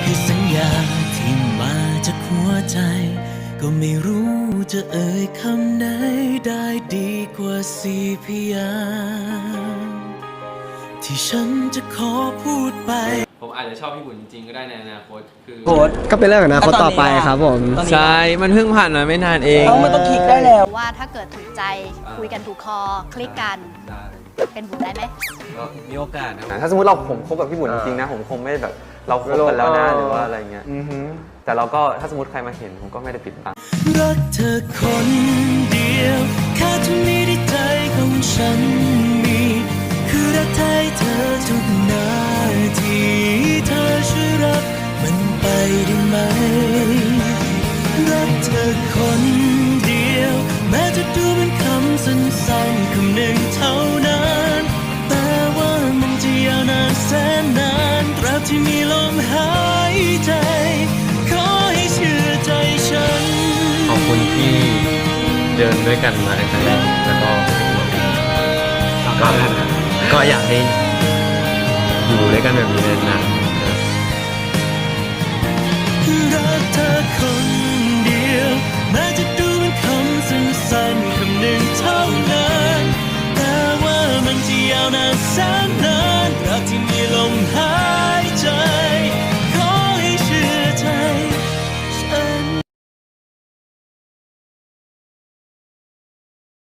คือสัญญาที่มาจากหัวใจก็ไม่รู้จะเอ่ยคำไหนได้ดีกว่าสี่พยางค์ที่ฉันจะขอพูดไปผมอาจจะชอบพี่บุญจริงๆก็ได้ในอนาคตคือก็เป็นเรื่องของอนาคตต่อไปครับผมใช่มันเพิ่งผ่านมาไม่นานเองมันต้องคลิกได้แล้วว่าถ้าเกิดถูกใจคุยกันถูกคอคลิกกันเป็นบุญได้ไหมก็มีโอกาสนะถ้าสมมติผมคบกับพี่บุญจริงๆนะผมคงไม่แบบเราคบกันแล้วนะหรือว่าอะไรเงี้ยแต่เราก็ถ้าสมมติใครมาเห็นผมก็ไม่ได้ปิดบังรักเธอคนเดียวแค่เท่านี้ในใจของฉันมีคือรักแท้เธอทุกนาทีเธอช่วยรับมันไปได้ไหมรักเธอคนเดียวแม้จะดูเป็นคำสั้นๆคำหนึ่งเท่านั้นแต่ว่ามันจะยาวนานแสนนานตราบที่มีลมหายใจขอให้เชื่อใจฉันขอบคุณที่เดินด้วยกันมาในครั้งแรกแล้วก็อยากให้อยู่ด้วยกันแบบนี้นานๆ